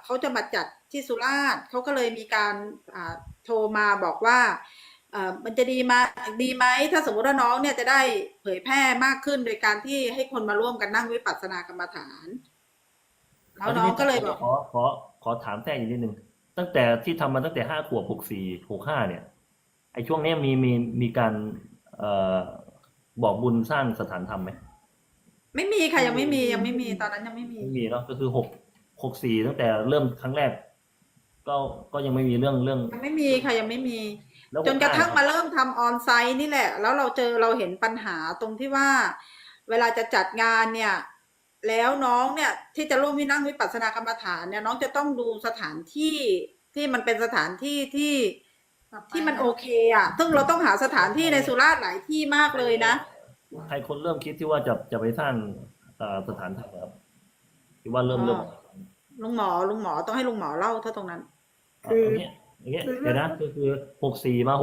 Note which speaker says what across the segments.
Speaker 1: เขาจะมาจัดที่สุราษฎร์เขาก็เลยมีการโทรมาบอกว่ามันจะดีไหมถ้าสมมติว่าน้องเนี่ยจะได้เผยแพร่มากขึ้นโดยการที่ให้คนมาร่วมกันนั่งวิปัสสนากรรมฐานแล้วน้องก็เลยบอก
Speaker 2: ขอถามแทรกอีกนิดนึงตั้งแต่ที่ทำมาตั้งแต่5 ขวบ6465เนี่ยไอ้ช่วงนี้มีการเอ่อบอกบุญสร้างสถานธรรมไหม
Speaker 1: ไม่มีค่ะยังไม่มีตอนนั้นยังไม่มี
Speaker 2: ไม่มีเนาะก็คือ64ตั้งแต่เริ่มครั้งแรกก็ก็ยังไม่มีเรื่อง
Speaker 1: ยังไม่มีค่ะยังไม่มี
Speaker 2: แล้ว
Speaker 1: จนกระ
Speaker 2: 65
Speaker 1: ทั่ง
Speaker 2: ครับ
Speaker 1: มาเริ่มทำออนไซต์นี่แหละแล้วเราเห็นปัญหาตรงที่ว่าเวลาจะจัดงานเนี่ยแล้วน้องเนี่ยที่จะร่วมที่นั่งวิปัสสนากรรมฐานเนี่ยน้องจะต้องดูสถานที่ที่มันเป็นสถานที่ที่มันโอเคอ่ะซึ่งเราต้องหาสถานที่ในสุราษฎร์หลายที่มากเลยนะ
Speaker 2: ใครคนเริ่มคิดที่ว่าจะไปสร้างสถานธรรมครับที่ว่าเริ่ม
Speaker 1: ลุงหมอต้องให้ลุงหมอเล่าถ้าตรงนั้น
Speaker 3: คือ
Speaker 2: อย่างเงี้ย
Speaker 3: คือ
Speaker 2: เดี๋ยวนะคือ64มา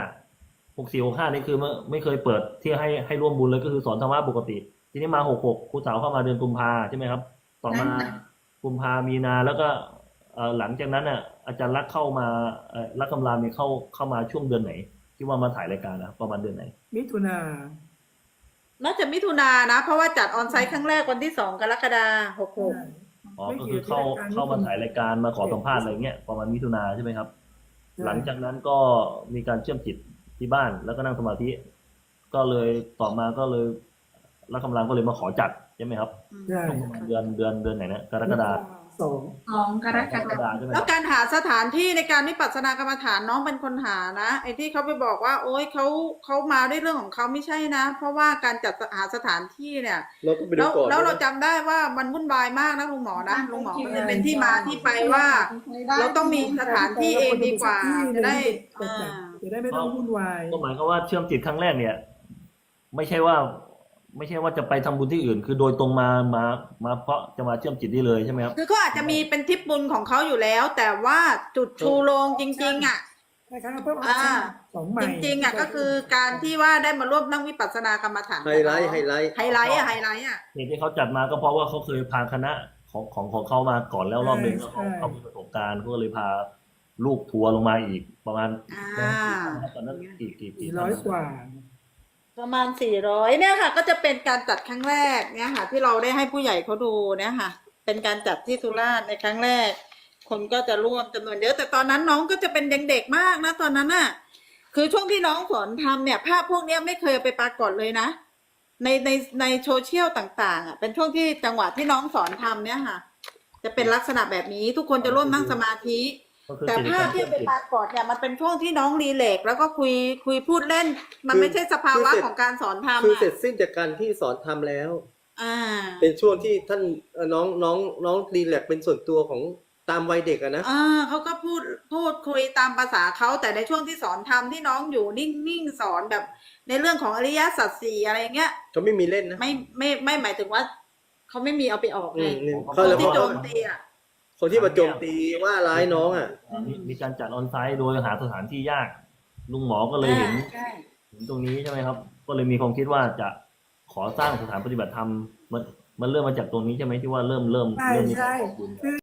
Speaker 2: 65นี่คือไม่เคยเปิดที่ให้ร่วมบุญเลยก็คือสอนธรรมะปกติทีนี้มา66ครูสาวเข้ามาเดือนกุมภาใช่ไหมครับต่อมากุมภามีนาแล้วก็หลังจากนั้นน่ะอาจารย์รักเข้ามารักกำลาเนี่ยเข้ามาช่วงเดือนไหนที่ว่ามาถ่ายรายการนะประมาณเดือนไหน
Speaker 3: มิถุนา
Speaker 1: น่าจะมิถุนายนนะเพราะว่าจัดออนไซต์ครั้งแรกวันที่2 กรกฎาคม 66
Speaker 2: อ๋อ
Speaker 3: ไม่
Speaker 2: ก็คือ
Speaker 3: เกี่ยวกับการมิ
Speaker 2: เข้ามา
Speaker 3: ถุนา
Speaker 2: ถ่ายรายการมาขอสัมภาษณ์อะไรเงี้ยประมาณมิถุนาใช่ไหมครับหลังจากนั้นก็มีการเชื่อมจิตที่บ้านแล้วก็นั่งสมาธิก็เลยต่อมาก็เลยรักกำลังก็เลยมาขอจัดใช่ไหมครับ
Speaker 3: ใช่
Speaker 2: ช่วงประมาณเดือนไหนนะกรกฎา
Speaker 3: สอง
Speaker 2: กรกฎาใช่ไหม
Speaker 1: แล้ว
Speaker 2: ครับ
Speaker 1: การหาสถานที่ในการวิปัสสนากรรมฐานน้องเป็นคนหานะไอ้ที่เขาไปบอกว่าโอ๊ยเขามาด้วยเรื่องของเขาไม่ใช่นะเพราะว่าการจัดหาสถานที่เนี่ย
Speaker 4: เราต้องไปดู
Speaker 1: แล้ว
Speaker 4: ก่อน
Speaker 1: แล้ว
Speaker 4: ด้วยนะ
Speaker 1: เราจำได้ว่ามันวุ่นวายมากนะลุงหมอนะลุงหมอมันจะเป็นที่มาที่ไปว่าเราต้องมีสถานที่เองดีกว่าจะได้
Speaker 3: จะได้ไม่ต้องวุ่นวาย
Speaker 2: ก็หมายความว่าเชื่อมจิตครั้งแรกเนี่ยไม่ใช่ว่าจะไปทำบุญที่อื่นคือโดยตรงมาเพราะจะมาเชื่อมจิตได้เลยใช่ไหมครับ
Speaker 1: คือเขาอาจจะมีเป็นทิปบุญของเขาอยู่แล้วแต่ว่าจุดชูโรงจริงๆอ่ะ
Speaker 3: ใช่ครับเพิ่มออปชั่นของใหม่
Speaker 1: จริงๆอ่ะก็คือการที่ว่าได้มาร่วมนั่งวิปัสสนากรรมฐาน
Speaker 4: ไฮไลท์
Speaker 1: ไฮไลท์อ่ะ
Speaker 2: เหตุที่เขาจัดมาก็เพราะว่าเขาเคยพาคณะของเขามาก่อนแล้วรอบหนึ่งแล้วเขามีประสบการณ์เขาก็เลยพาลูกทัวร์ลงมาอีกประมาณตอนนั้นกี่
Speaker 3: 400 กว่า
Speaker 1: ประมาณ400เนี่ยค่ะก็จะเป็นการจัดครั้งแรกเนี่ยค่ะที่เราได้ให้ผู้ใหญ่เขาดูเนี่ยค่ะเป็นการจัดที่สุราษฎร์ในครั้งแรกคนก็จะร่วมจำนวนเยอะแต่ตอนนั้นน้องก็จะเป็นเด็กๆมากนะตอนนั้นน่ะคือช่วงที่น้องสอนทำเนี่ยภาพพวกนี้ไม่เคยไปปรากฏเลยนะในโซเชียลต่างๆอ่ะเป็นช่วงที่จังหวะที่น้องสอนทำเนี่ยค่ะจะเป็นลักษณะแบบนี้ทุกคนจะร่วมนั่งสมาธิแต่ภาพที่ไปปรากฏเนี่ยมันเป็นช่วงที่น้องรีแลกซ์แล้วก็คุยพูดเล่นมันไม่ใช่สภาวะของการสอนธรรม
Speaker 4: คือเสร็จสิ้นจากการที่สอนทำแล้ว
Speaker 1: อ่า
Speaker 4: เป็นช่วงที่ท่านน้องรีแลกซ์เป็นส่วนตัวของตามวัยเด็กอะนะ
Speaker 1: เขาก็พูดคุยตามภาษาเขาแต่ในช่วงที่สอนธรรมที่น้องอยู่นิ่งๆสอนแบบในเรื่องของอริยสัจสี่อะไรเงี้ย
Speaker 4: เขาไม่มีเล่นนะ
Speaker 1: ไม่หมายถึงว่าเขาไม่มีเอาไปออกไง
Speaker 4: เขา
Speaker 1: ที่โจมตีอ่ะ
Speaker 4: คนที่มาโจมตีว่าร้ายน้องอ่ะ
Speaker 2: มีการจัดออนไซต์โดยหาสถานที่ยากลุงหมอก็เลยเห็นตรงนี้ใช่ไหมครับก็เลยมีความคิดว่าจะขอสร้างสถานปฏิบัติธรรมมันเริ่มมาจากตรงนี้ใช่ไหมที่ว่าเริ่มมีการบอกบุญ